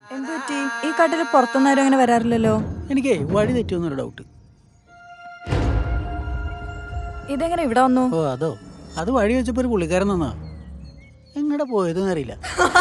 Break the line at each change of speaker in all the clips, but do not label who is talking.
എന്ത് പറ്റി? ഈ കാട്ടിൽ പുറത്തുനിന്ന് ആരും അങ്ങനെ വരാറില്ലല്ലോ.
എനിക്കേ വഴി തെറ്റുമെന്നൊരു ഡൗട്ട്.
ഇതെങ്ങനെ ഇവിടെ വന്നു?
ഓ അതോ, അത് വഴി വെച്ചപ്പോ ഒരു പുള്ളിക്കാരൻ തന്നാ. എങ്ങടെ പോയതെന്ന് അറിയില്ല.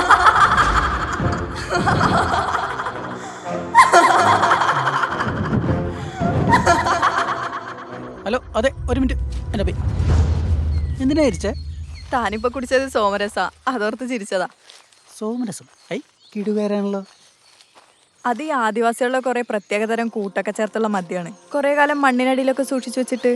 ഹലോ, അതെ, ഒരു മിനിറ്റ്. എന്റെ പേ എന്തിനാ ചിരിച്ചേ?
താനിപ്പോ കുടിച്ചത് സോമരസാ, അതോർത്ത് ചിരിച്ചതാ.
സോമരസം? ഐ കിടുവേരാണല്ലോ.
അത് ഈ ആദിവാസികളുടെ കുറെ പ്രത്യേകതരം കൂട്ടൊക്കെ ചേർത്തുള്ള മദ്യമാണ്. കുറെ കാലം മണ്ണിനടിയിലൊക്കെ സൂക്ഷിച്ചു വെച്ചിട്ട്.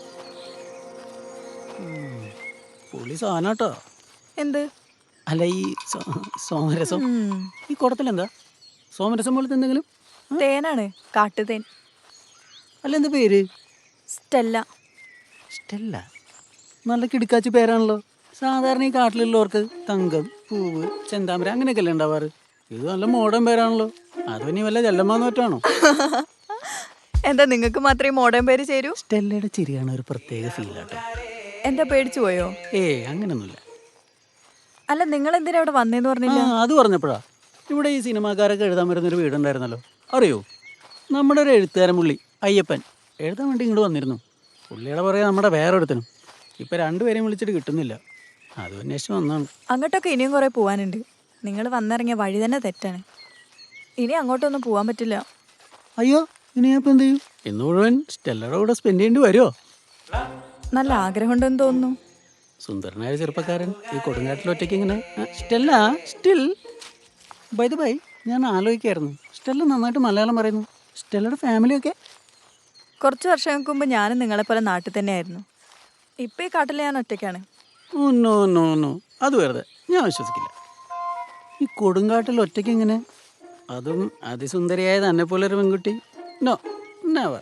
പുള്ളി സാധനാട്ടോ.
എന്ത്?
അല്ല, ഈ സോമരസം
ഉം.
ഈ കുടത്തിലെന്താ? സോമരസം പോലത്തെ എന്തെങ്കിലും?
തേനാണ്, കാട്ടുതേൻ.
അല്ല, എന്താ പേര്?
സ്റ്റെല്ല.
സ്റ്റെല്ല? നല്ല കിടുക്കാച്ചി പേരാണല്ലോ. സാധാരണ ഈ കാട്ടിലുള്ളവർക്ക് തങ്കം, പൂവ്, ചെന്താമര അങ്ങനെയൊക്കെ അല്ലേ ഉണ്ടാവാറ്. ഇത് നല്ല മോഡേൺ പേരാണല്ലോ. അത് ഇനി വല്ല ചെല്ലമ്മാന്ന് പറ്റാണോ?
എന്താ നിങ്ങൾക്ക് മാത്രമേ മോഡേൺ പേര് ചേരൂ?
സ്റ്റെല്ലയുടെ ചിരിയാണ് ഒരു പ്രത്യേക ഫീലാട്ടോ.
എന്താ പേടിച്ചു പോയോ?
അങ്ങനൊന്നുമില്ല.
അല്ല, നിങ്ങൾ എന്തിനാ ഇവിടെ വന്നേന്ന് പറഞ്ഞില്ല?
അത് പറഞ്ഞപ്പോഴാ, ഇവിടെ ഈ സിനിമാക്കാരൊക്കെ എഴുതാൻ വരുന്നൊരു വീടുണ്ടായിരുന്നല്ലോ, അറിയോ? നമ്മുടെ ഒരു എഴുത്തുകാരൻ പുള്ളി അയ്യപ്പൻ എഴുതാൻ വേണ്ടി ഇങ്ങോട്ട് വന്നിരുന്നു. പുള്ളിയുടെ പറയാ നമ്മുടെ വേറൊരുത്തനും. ഇപ്പം രണ്ടുപേരെയും വിളിച്ചിട്ട് കിട്ടുന്നില്ല. അത് അന്വേഷിച്ച് വന്നാണ്.
അങ്ങോട്ടൊക്കെ ഇനിയും കുറെ പോവാനുണ്ട്. നിങ്ങൾ വന്നിറങ്ങിയ വഴി തന്നെ തെറ്റാണ്. ഇനി അങ്ങോട്ടൊന്നും പോവാൻ പറ്റില്ല.
അയ്യോ, ഇനി ഞാൻ ഇപ്പം എന്ത് ചെയ്യും? ഇന്ന് മുഴുവൻ സ്റ്റെല്ലയുടെ കൂടെ സ്പെൻഡ് ചെയ്യേണ്ടി വരുമോ?
നല്ല ആഗ്രഹമുണ്ടെന്ന് തോന്നുന്നു.
സുന്ദരനായ ചെറുപ്പക്കാരൻ ഈ കൊടുങ്കാട്ടിൽ ഒറ്റയ്ക്ക് ഇങ്ങനെ. Stella still by the by, ഞാൻ ആലോചിക്കായിരുന്നു, സ്റ്റെല്ല നന്നായിട്ട് മലയാളം പറയുന്നു. സ്റ്റെല്ലയുടെ ഫാമിലിയൊക്കെ?
കുറച്ച് വർഷങ്ങൾക്ക് മുമ്പ് ഞാനും നിങ്ങളെപ്പോലെ നാട്ടിൽ തന്നെയായിരുന്നു. ഇപ്പം ഈ കാട്ടിൽ ഞാൻ ഒറ്റയ്ക്കാണ്.
ഓ നോ നോ നോ, അത് വെറുതെ, ഞാൻ വിശ്വസിക്കില്ല. ഈ കൊടുങ്കാട്ടിൽ ഒറ്റയ്ക്ക് ഇങ്ങനെ, അതും അതിസുന്ദരിയായ തന്നെ പോലെ ഒരു പെൺകുട്ടി? No, never.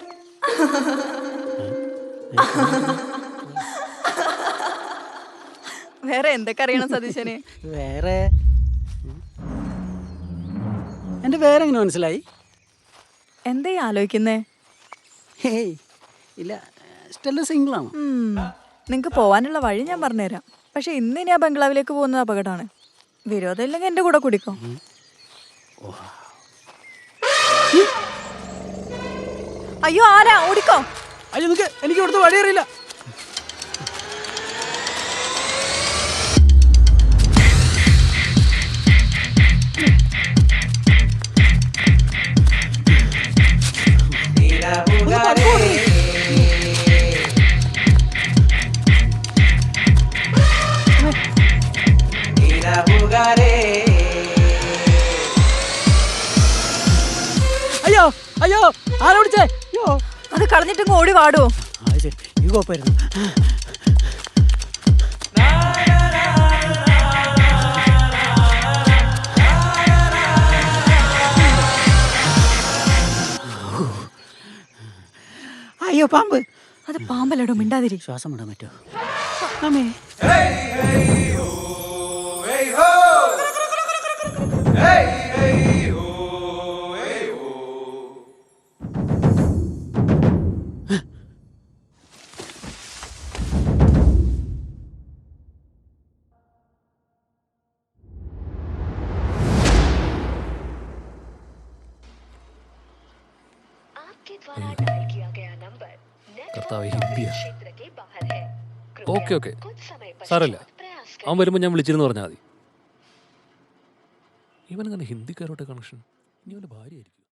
വേറെ എന്തൊക്കെ അറിയണം സതീശന്?
വേറെ എൻ്റെ വേറെ എങ്ങനെ മനസ്സിലായി?
എന്താ ഈ ആലോചിക്കുന്നേ?
ഹേയ് ഇല്ല, സ്റ്റെല്ല സിംഗിളാണോ?
നിങ്ങൾക്ക് പോവാനുള്ള വഴി ഞാൻ പറഞ്ഞുതരാം. പക്ഷെ ഇന്ന് ഇനി ആ ബംഗ്ലാവിലേക്ക് പോകുന്നത് അപകടമാണ്. വിരോധം ഇല്ലെങ്കിൽ എൻ്റെ കൂടെ കുടിക്കോ? അയ്യോ, ആരാ? ഓടിക്കോ.
അയ്യോ, നിനക്ക് എനിക്ക് ഇവിടുത്തെ വഴി അറിയില്ല. അയ്യോ അയ്യോ, ആരാ വിളിച്ചേ? അയ്യോ,
അത് കളഞ്ഞിട്ടങ്ങ് ഓടി വാടോ.
ശരി, ഈ കുഴപ്പമായിരുന്നു. അയ്യോ, പാമ്പ്.
അത് പാമ്പല്ലടോ, മിണ്ടാതിരി.
ശ്വാസം വിടാൻ പറ്റുമോ? അമ്മേ.
കർത്താവ് ഹിന്ദിയാ. ഓക്കെ ഓക്കെ, സാരമില്ല. അവൻ വരുമ്പോൾ ഞാൻ വിളിച്ചിരുന്നു പറഞ്ഞാൽ മതി. ഇവനങ്ങനെ ഹിന്ദിക്കാരോട്ട് കണക്ഷൻ? ഇനി അവൻ്റെ ഭാര്യയായിരിക്കും.